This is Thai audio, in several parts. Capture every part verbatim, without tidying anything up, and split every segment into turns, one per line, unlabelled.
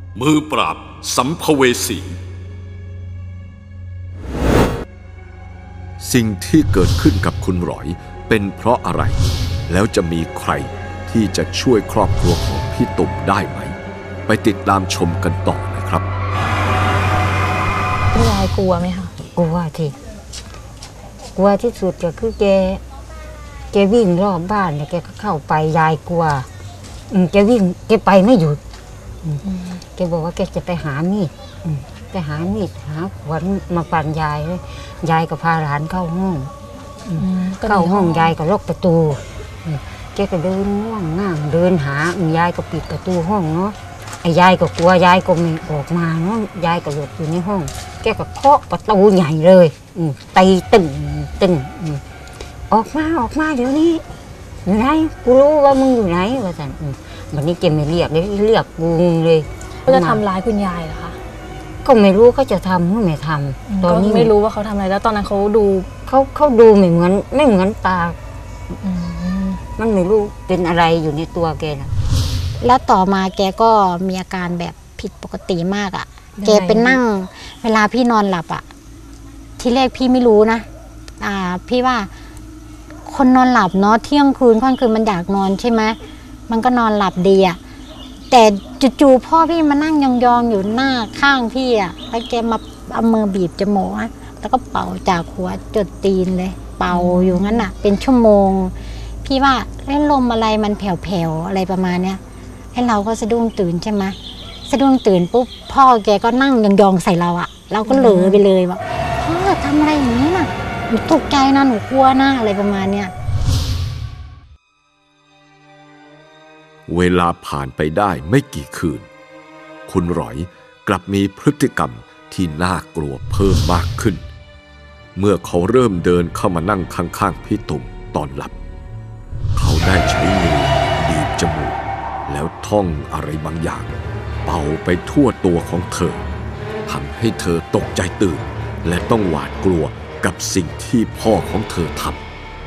มือปราบสัมภเวสีสิ่งที่เกิดขึ้นกับคุณหรอยเป็นเพราะอะไรแล้วจะมีใครที่จะช่วยครอบครัวของพี่ตุ่มได้ไหมไปติดตามชมกันต่อนะครับ
พี่ยายกลัวไหมคะ
กลัวที่กลัวที่สุดก็คือแกแกวิ่งรอบบ้านเนี่ยแกก็เข้าไปยายกลัวอืมแกวิ่งแกไปไม่หยุดแกบอกว่าแกจะไปหามีดไปหามีดหาขวานมาฟันยายเลยยายก็พาหลานเข้าห้องเข้าห้องยายก็ล็อกประตูแกก็เดินง่วงง่างเดินหายายก็ปิดประตูห้องเนาะไอ้ยายก็กลัวยายก็ไม่ออกมาเนาะยายก็หลบอยู่ในห้องแกก็เคาะประตูใหญ่เลยตีตึงตึงออกมาออกมาเดี๋ยวนี้อยู่ไหนกูรู้ว่ามึงอยู่ไหนว่าสันวันนี้แกไม่เรียกเลยเรียกกูเลย
เขาจะทำร้ายคุณยายเหรอคะ
ก็ไม่รู้เขาจะทำหรือไม่ทำ
ตอนนี้ไม่รู้ว่าเขาทำอะไรแล้วตอนนั้นเขาดู
เขาเขาดูไม่เหมือนไม่เหมือนตามันไม่รู้เป็นอะไรอยู่ในตัวแกนะ
แล้วต่อมาแกก็มีอาการแบบผิดปกติมากอ่ะแกเป็นนั่งเวลาพี่นอนหลับอ่ะที่แรกพี่ไม่รู้นะอ่าพี่ว่าคนนอนหลับเนาะเที่ยงคืนค่อนคืนมันอยากนอนใช่ไหมมันก็นอนหลับดีอ่ะแต่จู่ๆพ่อพี่มานั่งยองๆอยู่หน้าข้างพี่อ่ะแล้วแกมาเอามือบีบจมูกแล้วก็เป่าจากหัวจดตีนเลยเป่าอยู่งั้นอ่ะเป็นชั่วโมงพี่ว่าเล่นลมอะไรมันแผ่วๆอะไรประมาณเนี้ยให้เราก็สะดุ้งตื่นใช่ไหมสะดุ้งตื่นปุ๊บพ่อแกก็นั่งยองๆใส่เราอ่ะเราก็เหลือไปเลยว่าพ่อทำอะไรอย่างนี้น่ะหนูตกใจนะหนูกลัวนะอะไรประมาณเนี้ย
เวลาผ่านไปได้ไม่กี่คืนคุณหรอยกลับมีพฤติกรรมที่น่ากลัวเพิ่มมากขึ้นเมื่อเขาเริ่มเดินเข้ามานั่งข้างๆพี่ตุ่มตอนหลับเขาได้ใช้มือบีบจมูกแล้วท่องอะไรบางอย่างเป่าไปทั่วตัวของเธอทำให้เธอตกใจตื่นและต้องหวาดกลัวกับสิ่งที่พ่อของเธอทำ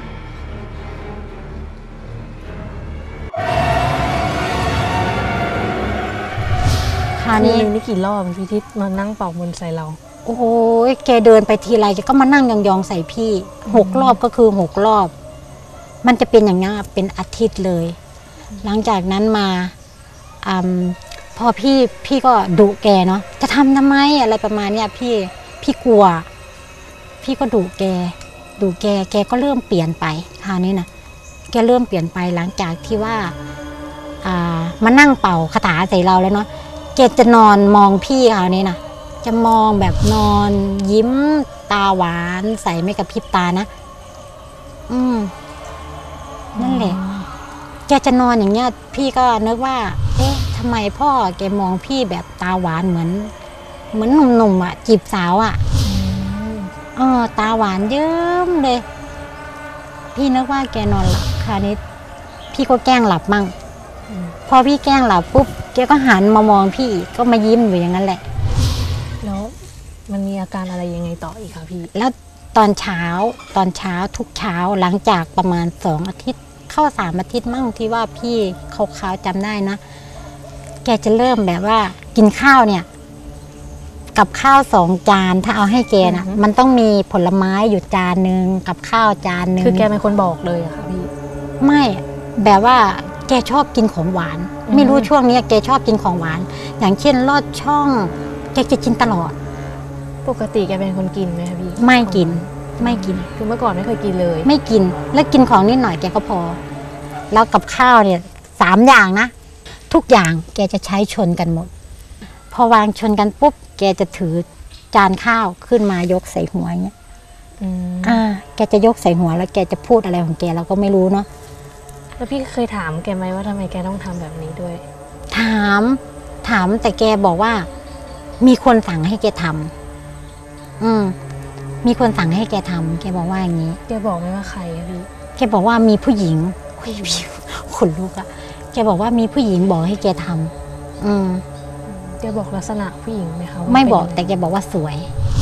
คราวนี้นี่กี่รอบพี่ทิศมานั่งเป่ามนต์ใส่เรา
โอ้ยแกเดินไปทีไรแกก็มานั่งยองๆใส่พี่หกรอบก็คือหกรอบมันจะเป็นอย่างนี้เป็นอาทิตย์เลยหลังจากนั้นมาอพอพี่พี่ก็ดุแกเนาะจะทำทำไมอะไรประมาณเนี้ยพี่พี่กลัวพี่ก็ดุแกดุแกแกก็เริ่มเปลี่ยนไปคราวนี้นะแกเริ่มเปลี่ยนไปหลังจากที่ว่าอ่ามานั่งเป่าคาถาใส่เราแล้วเนาะแกจะนอนมองพี่คราวนี้นะจะมองแบบนอนยิ้มตาหวานใส่ไม่กระพริบตานะอืมนั่นแหละแกจะนอนอย่างเงี้ยพี่ก็นึกว่าเอ๊ะทำไมพ่อแกมองพี่แบบตาหวานเหมือนเหมือนหนุ่มๆอ่ะจีบสาวอ่ะเออตาหวานเยิ้มเลยพี่นึกว่าแกนอนหลับคราวนี้พี่ก็แกล้งหลับมั่งพอพี่แกล้งหลับปุ๊บแกก็หันมามองพี่ก็มายิ้มอยู่อย่างนั้นแหละ
แล้วมันมีอาการอะไรยังไงต่ออีกคะพี่
แล้วตอนเช้าตอนเช้าทุกเช้าหลังจากประมาณสองอาทิตย์เข้าสามอาทิตย์มั่งที่ว่าพี่เขาขาวจำได้นะแกจะเริ่มแบบว่ากินข้าวเนี่ยกับข้าวสองจานถ้าเอาให้แกนะมันต้องมีผลไม้อยู่จานนึงกับข้าวจานนึง
คือแกเป็นคนบอกเลยอะค่ะพี่
ไม่แบบว่าแกชอบกินของหวานไม่รู้ช่วงนี้แกชอบกินของหวานอย่างเช่นลอดช่องแกจะกินตลอด
ปกติแกเป็นคนกินไหมคะพี่
ไม่กินไม่กิน
คือเมื่อก่อนไม่เคยกินเลย
ไม่กินแล้วกินของนิดหน่อยแกก็พอแล้วกับข้าวเนี่ยสามอย่างนะทุกอย่างแกจะใช้ชนกันหมดพอวางชนกันปุ๊บแกจะถือจานข้าวขึ้นมายกใส่หัวอย่างเงี้ยอ่าแกจะยกใส่หัวแล้วแกจะพูดอะไรของแกเราก็ไม่รู้เนาะ
แล้วพี่เคยถามแกไหมว่าทำไมแกต้องทำแบบนี้ด้วย
ถามถามแต่แกบอกว่ามีคนสั่งให้แกทำอืมมีคนสั่งให้แกทำแกบอกว่าอย่างนี้
แกบอกไหมว่าใครอะพี่
แกบอกว่ามีผู้หญิงขนลุกอะแกบอกว่ามีผู้หญิงบอกให้แกทำอืม
แกบอกลักษณะผู้หญิงไหมคะ
ไม่บอกแต่แกบอกว่าสวย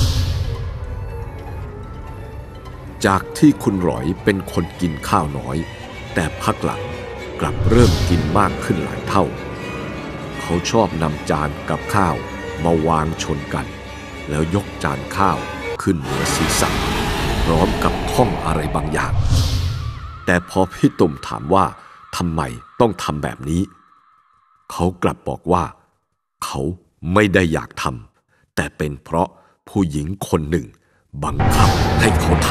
จากที่คุณหรอยเป็นคนกินข้าวน้อยแต่พักหลังกลับเริ่มกินมากขึ้นหลายเท่าเขเขาชอบนำจานกับข้าวมาวางชนกันแล้วยกจานข้าวขึ้นเหนือศีรษะพร้อมกับท่องอะไรบางอย่างแต่พอพี่ตุ่มถามว่าทำไมต้องทำแบบนี้เขากลับบอกว่าเขาไม่ได้อยากทำแต่เป็นเพราะผู้หญิงคนหนึ่งบังคับให้เขาท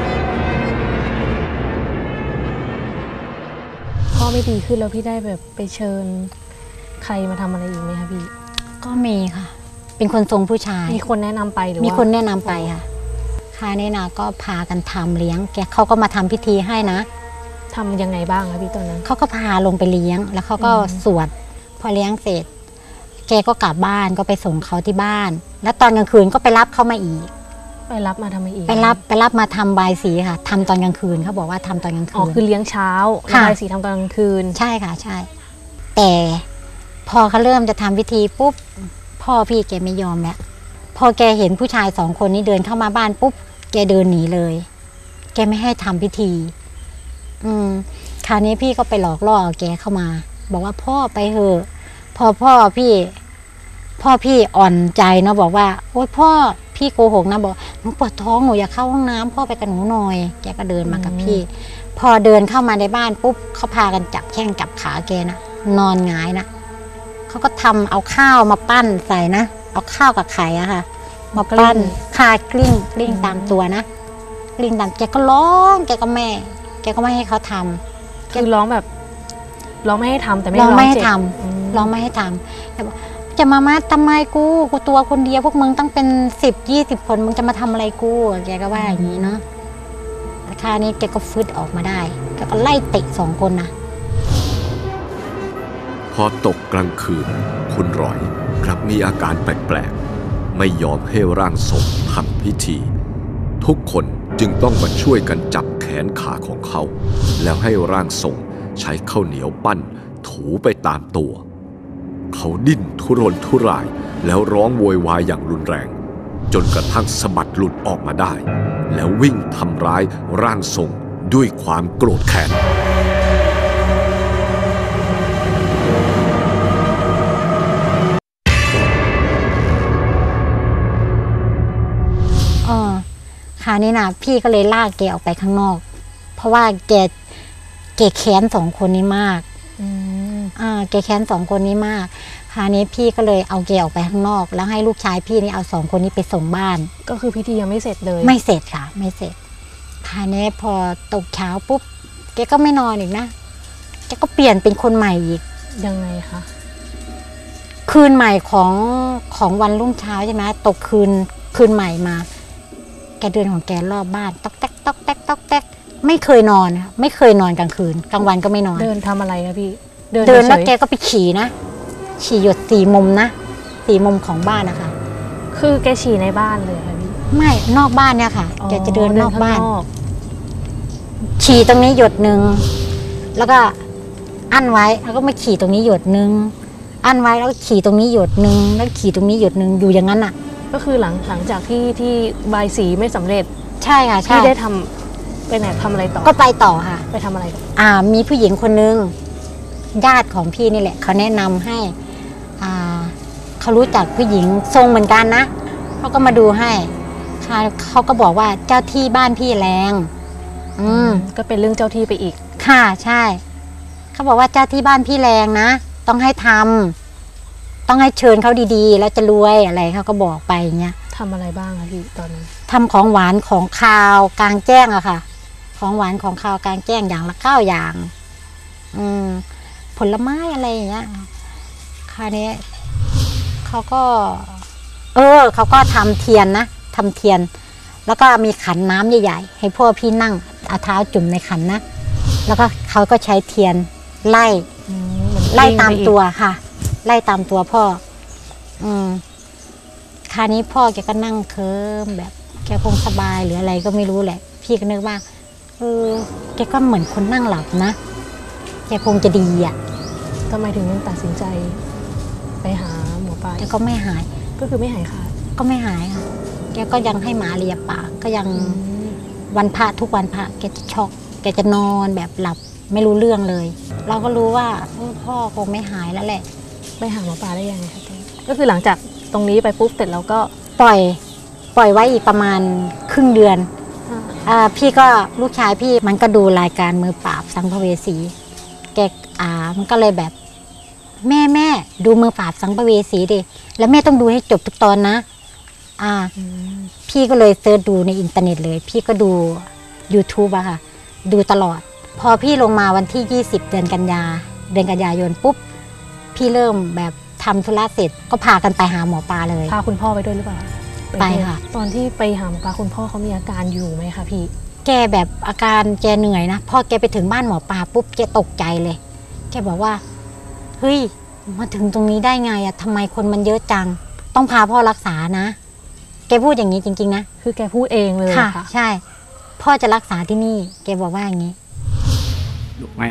ำพ่อไม่ดีขึ้นแล้วพี่ได้แบบไปเชิญใครมาทำอะไรอีกไหมคะพี่
ก็มีค่ะเป็นคนทรงผู้ชาย
มีคนแนะนำไปหรือว่า
มีคนแนะนำไปค่ะค่ะนี่นะก็พากันทำเลี้ยงแกเขาก็มาทำพิธีให้นะ
ทำยังไงบ้างคะพี่ตอนนั้น
เขาก็พาลงไปเลี้ยงแล้วเขาก็สวดพอเลี้ยงเสร็จแกก็กลับบ้านก็ไปส่งเขาที่บ้านแล้วตอนกลางคืนก็ไปรับเขามาอีก
ไปรับมาทำไมอีก
ไปรับไปรับมาทำบายสีค่ะทำตอนกลางคืนเขาบอกว่าทำตอนกลางคืน
อ๋อคือเลี้ยงเช้าแล้วบายสีทำตอนกลางคืน
ใช่ค่ะใช่แต่พอเขาเริ่มจะทำพิธีปุ๊บพ่อพี่แกไม่ยอมแล้วพอแกเห็นผู้ชายสองคนนี้เดินเข้ามาบ้านปุ๊บแกเดินหนีเลยแกไม่ให้ทำพิธีอืมคราวนี้พี่ก็ไปหลอกล่อแกเข้ามาบอกว่าพ่อไปเถอะพอพ่อพี่พ่อพี่อ่อนใจเนาะบอกว่าโอ๊ยพ่อพี่โกหกนะบอกหนูปวดท้องหนูอยากเข้าห้องน้ำพ่อไปกับหนูหน่อยแกก็เดินมากับพี่พอเดินเข้ามาในบ้านปุ๊บเขาพากันจับแข้งจับขาแกนะนอนหงายนะเขาก็ทำเอาข้าวมาปั้นใส่นะเอาข้าวกับไข่อะค่ะมาปั้นคากลิ้งกลิ้งตามตัวนะกลิ้งตามแกก็ร้องแกก็แม่แกก็ไม่ให้เขาทำ
คือร้องแบบร้องไม่ให้ทำแต่ไม่
ร้องไม่ให้ทำร้องไม่ให้ทำแต่บอกจะมามาทำไมกูกูตัวคนเดียวพวกมึงต้องเป็นสิบยี่สิบคนมึงจะมาทำอะไรกูแกก็ว่าอย่างนี้เนาะราคานี้แกก็ฟึดออกมาได้แกก็ไล่เตะสองคนนะ
พอตกกลางคืนคุณร้อยกลับมีอาการแปลกๆไม่ยอมให้ร่างทรงทำพิธีทุกคนจึงต้องมาช่วยกันจับแขนขาของเขาแล้วให้ร่างทรงใช้ข้าวเหนียวปั้นถูไปตามตัวเขาดิ้นทุรนทุรายแล้วร้องโวยวายอย่างรุนแรงจนกระทั่งสะบัดหลุดออกมาได้แล้ววิ่งทำร้ายร่างทรงด้วยความโกรธแค้น
อ๋อคราวนี้นะพี่ก็เลยลากแกออกไปข้างนอกเพราะว่าแกแกแค้นสองคนนี้มากอ่าแกแค้นสองคนนี้มากคราวนี้พี่ก็เลยเอาแกออกไปข้างนอกแล้วให้ลูกชายพี่นี่เอาสองคนนี้ไปส่งบ้าน
ก็คือพิธียังไม่เสร็จเลย
ไม่เสร็จค่ะไม่เสร็จคราวนี้พอตกเช้าปุ๊บแกก็ไม่นอนอีกนะแกก็เปลี่ยนเป็นคนใหม่อีก
ยังไงคะ
คืนใหม่ของของวันรุ่งเช้าใช่ไหมตกคืนคืนใหม่มาแกเดินของแกรอบบ้านต๊อกแต๊กต๊อกแต๊กต๊อกแต๊กไม่เคยนอนไม่เคยนอนกลางคืนกลางวันก็ไม่นอน
เดินทำอะไรคะพี่
เดินแล้วแกก็ไปฉี่นะฉี่หยดสี่มุมนะสี่มุมของบ้านนะคะ
คือแกฉี่ในบ้านเลยค่ะพี่
ไม่นอกบ้านเนี่ยค่ะแกจะเดินนอกบ้านฉี่ตรงนี้หยดหนึ่งแล้วก็อั้นไว้แล้วก็มาฉี่ตรงนี้หยดหนึ่งอั้นไว้แล้วก็ฉี่ตรงนี้หยดหนึ่งแล้วฉี่ตรงนี้หยดหนึ่งอยู่อย่างนั้นอ่ะ
ก็คือหลังหลังจากที่ที่บายสีไม่สำเร็จ
ใช่ค่ะใช่
ที่ได้ทำไปไหนทำอะไรต่อ
ก็ไปต่อค่ะ
ไปทำอะไร
อ่ามีผู้หญิงคนนึงญาติของพี่นี่แหละเขาแนะนำให้อ่าเขารู้จักผู้หญิงทรงเหมือนกันนะเขาก็มาดูให้เขาก็บอกว่าเจ้าที่บ้านพี่แรงอืม
ก็เป็นเรื่องเจ้าที่ไปอีก
ค่ะใช่เขาบอกว่าเจ้าที่บ้านพี่แรงนะต้องให้ทำต้องให้เชิญเขาดีๆแล้วจะรวยอะไรเขาก็บอกไปอย่างเงี้ย
ทำอะไรบ้างคะพี่ตอนนั้น
ทำของหวานของคาวกลางแจ้งอะค่ะของหวานของคาวกลางแจ้งอย่างละเก้าอย่างอืมผลไม้อะไรอย่างเงี้ยคราวนี้เขาก็เออเขาก็ทำเทียนนะทำเทียนแล้วก็มีขันน้ำใหญ่ๆให้พ่อพี่นั่งเอาเท้าจุ่มในขันนะแล้วก็เขาก็ใช้เทียนไล่ไล่ตามตัวค่ะไล่ตามตัวพ่ออืมคราวนี้พ่อแกก็นั่งเคิมแบบแกคงสบายหรืออะไรก็ไม่รู้แหละพี่ก็นึกว่าเออแกก็เหมือนคนนั่งหลับนะแกคงจะดีอ่ะ
ทำไมถึงตัดสินใจไปหาหมอปลา
แต่ก็ไม่หาย
ก็คือไม่หายค่ะ
ก็ไม่หายค่ะแกก็ยังให้หมาเลียปากก็ยังวันพระทุกวันพระแกจะช็อกแกจะนอนแบบหลับไม่รู้เรื่องเลยเราก็รู้ว่าพ่อคงไม่หายแล้วแหละ
ไปหาหมอปลาได้ยังไงคะเต้ก็คือหลังจากตรงนี้ไปปุ๊บเสร็จแล้วก็
ปล่อยปล่อยไว้อีกประมาณครึ่งเดือนอ่าพี่ก็ลูกชายพี่มันก็ดูรายการมือปราบสัมภเวสีแกอ่ามันก็เลยแบบแม่แม่ดูมือปราบสัมภเวสีดิแล้วแม่ต้องดูให้จบทุกตอนนะอ่าพี่ก็เลยเซิร์ชดูในอินเทอร์เน็ตเลยพี่ก็ดู YouTube อะค่ะดูตลอดพอพี่ลงมาวันที่ยี่สิบเดือนกันยาเดือนกันยายนปุ๊บพี่เริ่มแบบทำธุระเสร็จก็พากันไปหาหมอปลาเลย
พาคุณพ่อไปด้วยหรือเปล่า
ไปค่ะ
ตอนที่ไปหาหมอปลาคุณพ่อเขามีอาการอยู่ไหมคะพี่
แกแบบอาการแกเหนื่อยนะพอแกไปถึงบ้านหมอปลาปุ๊บแกตกใจเลยแกบอกว่าเฮ้ยมาถึงตรงนี้ได้ไงอะทำไมคนมันเยอะจังต้องพาพ่อรักษานะแกพูดอย่างนี้จริงๆนะ
คือแกพูดเองเลย
ค่ะใช่พ่อจะรักษาที่นี่แกบอกว่าอย่างนี้
ดุไหม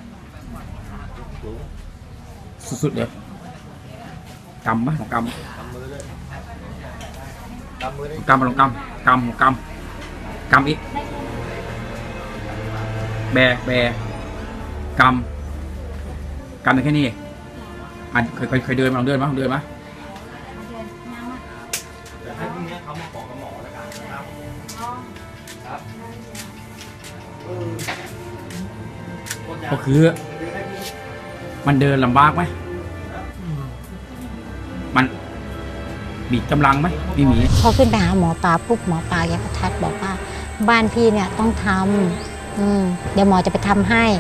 สุดๆเลยกำปะลองกำกำลองกำกำกำกำอีกแบแบกำกำได้แค่นี้อ่ะเคยเคยเดินมาลองเดินมาลองเดินมาก็คือมันเดินลำบากไหมมันมีกำลังไหมไม่มี
พอขึ้นไปหาหมอปลาปุ๊บหมอปลาแกก็ทักบอกว่าบ้านพี่เนี่ยต้องทำอืมเดี๋ยวหมอจะไปทำให้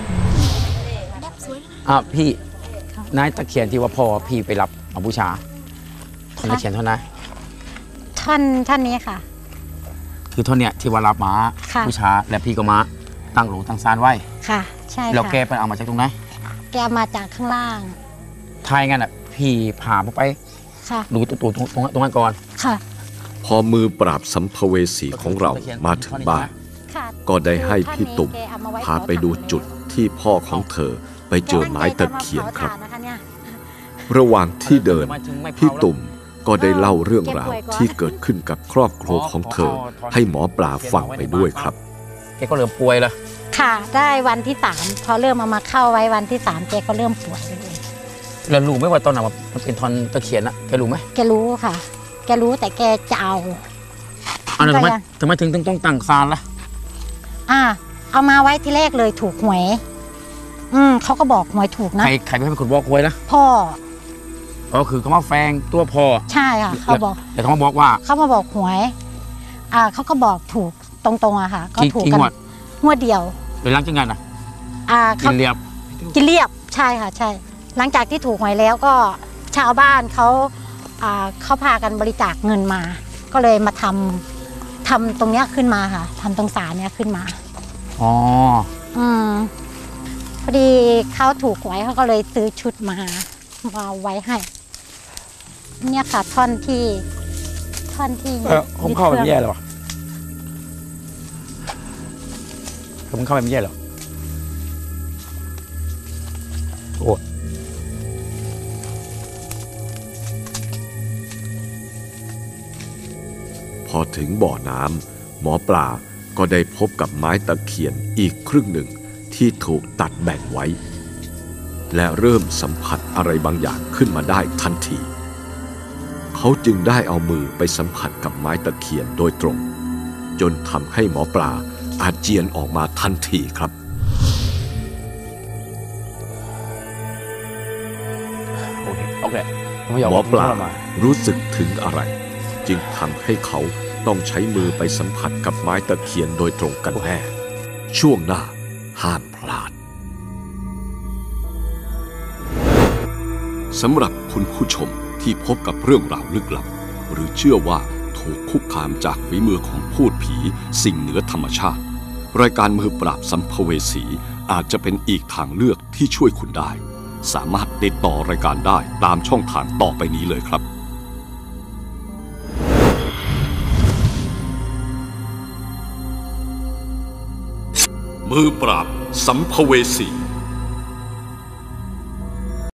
อ่ะพี่นายตะเคียนที่ว่าพ่อพี่ไปรับมาบูชาท่อนตะเคียนเท่านั้น
ท่อนท่อนนี้ค่ะ
คือท่อนเนี้ยที่ว่ารับมาบูชาและพี่ก็มาตั้งหลวงตั้งซานไว้
ค่ะใช่ค่ะ
แล้วแกไปเอามาจากตรงไหน
แกมาจากข้างล่าง
ทายงั้นอ่ะพี่พาไปดูตัวตรงตรงตรงนั้นก่อน
ค่ะ
พอมือปราบสัมภเวสีของเรามาถึงบ้านก็ได้ให้พี่ตุ่มพาไปดูจุดที่พ่อของเธอไปเจอไม้ตะเคียนครับระหว่างที่เดินพี่ตุ่มก็ได้เล่าเรื่องราวที่เกิดขึ้นกับครอบครัวของเธอให้หมอปลาฟังไปด้วยครับ
แกก็เริ่มป่วยแล้ว
ค่ะได้วันที่สามพอเริ่มเอามาเข้าไว้วันที่สามแกก็เริ่มป่วยเลย
แล้วรู้ไหมว่าตอนนั้นมันเป็นท่อนตะเคียนอะแกรู้ไหม
แกรู้ค่ะแกรู้แต่แกจะเอา
อันนั้นทำไมทำไมถึงต้องตั้งศาลล่ะ
อ่าเอามาไว้ที่แรกเลยถูกหวยอืมเขาก็บอกหวยถูกนะ
ใครใครเป็นคนบอกหวยนะ
พ่อ
อ๋อคือเขามาแฝงตัวพ่อ
ใช่ค่ะเขาบอก
แต่เขามาบอกว่า
เขามาบอกหวยอ่าเขาก็บอกถูกตรงๆอะค่ะก็ถูกกันงวดเดียว
หรือหลังจากนั้นอ่ะ
อ่า
กินเรียบ
กินเรียบใช่ค่ะใช่หลังจากที่ถูกหวยแล้วก็ชาวบ้านเขาอ่าเขาพากันบริจาคเงินมาก็เลยมาทำทำตรงเนี้ยขึ้นมาค่ะทำตรงศาลเนี้ยขึ้นมา
อ๋อ
อืมพอดีเขาถูกหวยเขาก็เลยซื้อชุดมามาไว้ให้เนี่ยค่ะท่อนที่ท่อนที่
ผมเข้าไปไม่แย่หรอผมเข้าไปไม่แย่หรอโอ้
พอถึงบ่อน้ำหมอปลาก็ได้พบกับไม้ตะเคียนอีกครึ่งหนึ่งที่ถูกตัดแบ่งไว้และเริ่มสัมผัสอะไรบางอย่างขึ้นมาได้ทันทีเขาจึงได้เอามือไปสัมผัสกับไม้ตะเคียนโดยตรงจนทำให้หมอปลาอาเจียนออกมาทันทีครับ
โอเค
หมอปลารู้สึกถึงอะไรจึงทำให้เขาต้องใช้มือไปสัมผัสกับไม้ตะเคียนโดยตรงกันแน่ช่วงหน้าห้ามพลาดสำหรับคุณผู้ชมที่พบกับเรื่องราวลึกลับหรือเชื่อว่าถูกคุกคามจากฝีมือของพูดผีสิ่งเหนือธรรมชาติรายการมือปราบสัมภเวสีอาจจะเป็นอีกทางเลือกที่ช่วยคุณได้สามารถติดต่อรายการได้ตามช่องทางต่อไปนี้เลยครับมือปราบสัมภเวสี